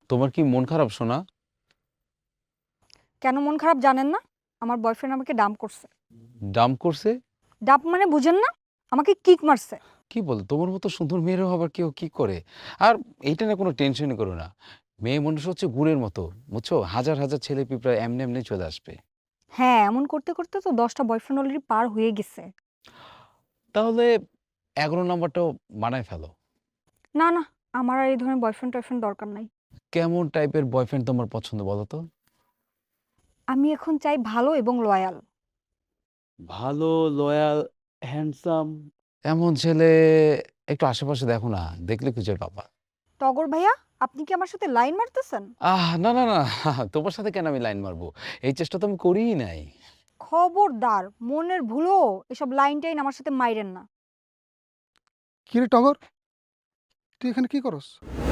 তোমার কি মন খারাপ শোনা? কেন মন খারাপ জানেন না? আমার বয়ফ্রেন্ড আমাকে ডাম্প করছে। ডাম্প করছে? ডাম্প মানে বুঝেন না? আমাকে কিক মারছে। কি বল, তোমার মতো সুন্দর মেয়েরও আবার কেউ কি করে? আর এইটা না কোনো টেনশনই করো না। মেয়ে মানুষ হচ্ছে গুড়ের মতো, বুঝছো? হাজার হাজার ছেলে পিঁপড়া এমনি এমনি চলে আসবে। হ্যাঁ, এমন করতে করতে তো 10টা বয়ফ্রেন্ড অলরেডি পার হয়ে গেছে। তাহলে 11 নম্বরটাও বানায় ফেলো। না না, আমার আর এই ধরনের বয়ফ্রেন্ড টয়ফ্রেন্ড দরকার নাই। কেমন টাইপের বয়ফ্রেন্ড তোমার পছন্দ বলো তো? আমি এখন চাই ভালো এবং লয়াল। ভালো, লয়াল, হ্যান্ডসাম। এমন ছেলে একটু আশেপাশে দেখো না, দেখলে খুঁজে পাবা। টগর ভাইয়া, আপনি কি আমার সাথে লাইন মারতেছেন? না না না, তোমার সাথে কেন আমি লাইন মারবো? এই চেষ্টা তো আমি করিই নাই। খবরদার, মনের ভুলো এসব লাইন টাইন আমার সাথে মাইরেন না। কিরে টগর, তুই এখানে কি করস?